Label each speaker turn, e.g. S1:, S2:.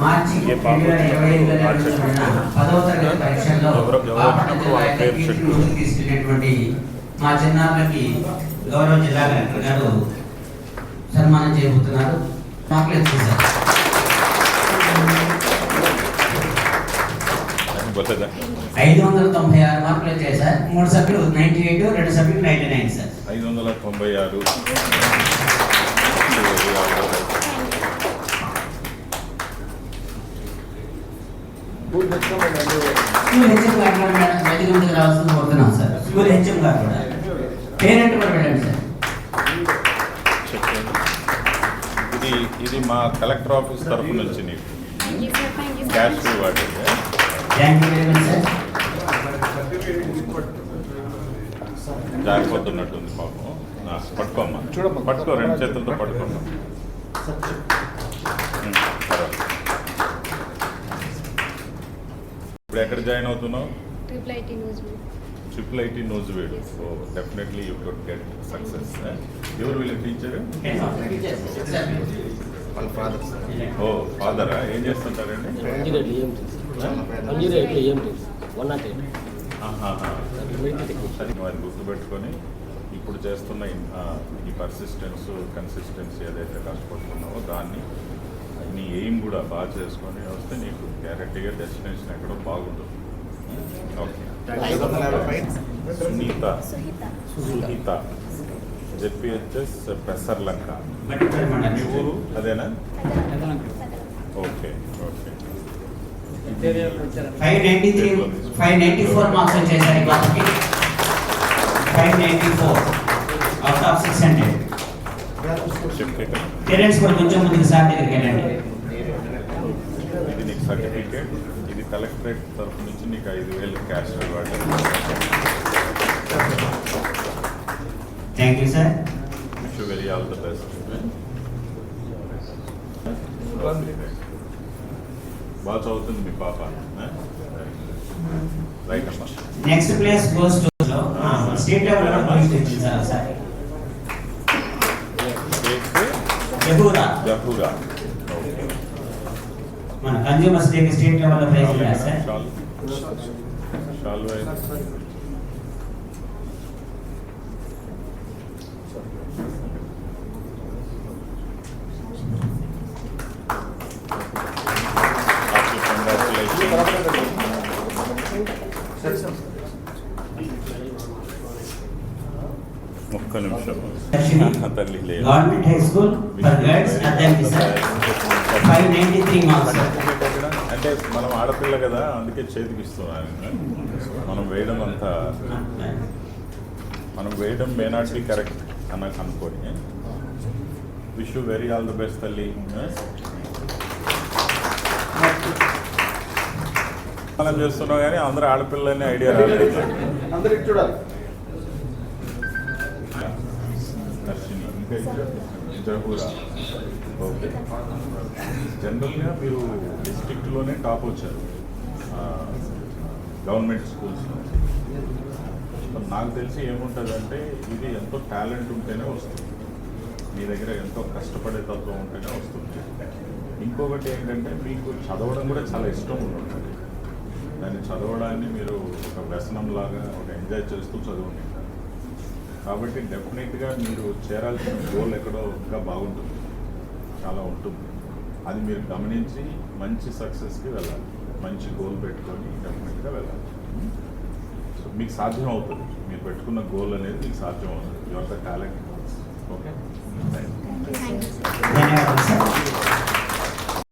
S1: మార్చి 2025లో నిర్వహించబడిన 10వ తరగతి పరీక్షల్లో బాపట్ల జిల్లా కీర్తిని తీసుకెళ్లినటువంటి మా చిన్నారులకి గౌరవ జిల్లా కలెక్టర్ గారు సన్మానం చేయబోతున్నారు. మార్కులు ఇచ్చేసారు. 596 మార్కులు వచ్చాయి సార్. 3 సభ్యులు 98, 2 సభ్యులు 99 సార్.
S2: 596.
S1: స్కూల్ హెచ్ఎం గారు కూడా వేదిక ముందుకు రావాల్సింది కోరుతున్నాం సార్. స్కూల్ హెచ్ఎం గారు కూడా పేరెంట్ కూడా వెళ్ళండి సార్.
S2: ఇది మా కలెక్టర్ ఆఫీస్ తరఫు నుంచి నీకు cash reward.
S1: Thank you very much sir.
S2: జారిపోతున్నట్టుంది పాపం. పట్టుకోమ్మా, చూడమ్మా, పట్టుకో, 2 చేతులతో పట్టుకోమ్మా. ఇప్పుడు ఎక్కడ జాయిన్ అవుతున్నావు? Triple IT Nuzvid. So definitely you could get success. ఎవరు వీళ్ళ టీచర్? ఓ ఫాదరా? ఏం చేస్తుంటారండి? అది గుర్తుపెట్టుకొని ఇప్పుడు చేస్తున్న ఈ పర్సిస్టెన్స్, కన్సిస్టెన్సీ ఏదైతే కష్టపడుతున్నావో దాన్ని నీ ఎయిమ్ కూడా బాగా చేసుకొని వస్తే నీకు గ్యారెంటీగా డెస్టినేషన్ ఎక్కడో బాగుంటుంది. ఓకే. సుహిత జెపిహెచ్ఎస్ పెసర్లంక. మీ ఊరు అదేనా? Okay okay.
S1: 594 మార్క్స్ వచ్చాయి సార్. 594 out of 600. పేరెంట్స్ కూడా కొంచెం ముందుకు సార్ దగ్గరికి వెళ్ళండి.
S2: ఇది నీకు సర్టిఫికేట్. ఇది కలెక్టరేట్ తరఫు నుంచి నీకు 5,000 cash reward.
S1: Thank you sir.
S2: Wish you very all the best. బాగా చదువుతుంది మీ పాప. రైట్ అమ్మా.
S1: Next place goes to state level లో పార్టిసిపేట్ చేశారు సార్.
S2: జహూరా
S1: మన కన్జ్యూమర్స్ డే స్టేట్ లెవెల్ లో ప్రైజ్ ఇచ్చారు సార్.
S2: ఒక్క నిమిషం. తల్లి
S1: government high school for girls Addanki sir. 593 marks.
S2: అంటే మనం ఆడపిల్ల కదా, అందుకే చేతికి ఇస్తున్నాను. మనం వేయడం మే నాట్ బి కరెక్ట్ అనుకోని. Wish you very all the best తల్లి. మనం చేస్తున్నాం కానీ అందరూ ఆడపిల్లని ఐడియా రాలేదు. చూడాలి. జహూరా. ఓకే. జనరల్గా మీరు డిస్ట్రిక్ట్లోనే టాప్ వచ్చారు గవర్నమెంట్ స్కూల్స్లో. నాకు తెలిసి ఏముంటుందంటే ఇది ఎంతో టాలెంట్ ఉంటేనే వస్తుంది. మీ దగ్గర ఎంతో కష్టపడే తత్వం ఉంటేనే వస్తుంది. ఇంకొకటి ఏంటంటే మీకు చదవడం కూడా చాలా ఇష్టం ఉంటుంది. దాన్ని చదవడాన్ని మీరు ఒక వ్యసనంలాగా ఒక ఎంజాయ్ చేస్తూ చదువుకుంటారు. కాబట్టి డెఫినెట్గా మీరు చేరాల్సిన గోల్ ఎక్కడో ఇంకా బాగుంటుంది, చాలా ఉంటుంది. అది మీరు గమనించి మంచి సక్సెస్కి వెళ్ళాలి. మంచి గోల్ పెట్టుకొని డెఫినెట్గా వెళ్ళాలి. సో మీకు సాధ్యం అవుతుంది. మీరు పెట్టుకున్న గోల్ అనేది మీకు సాధ్యం అవుతుంది. Your the talent. ఓకే.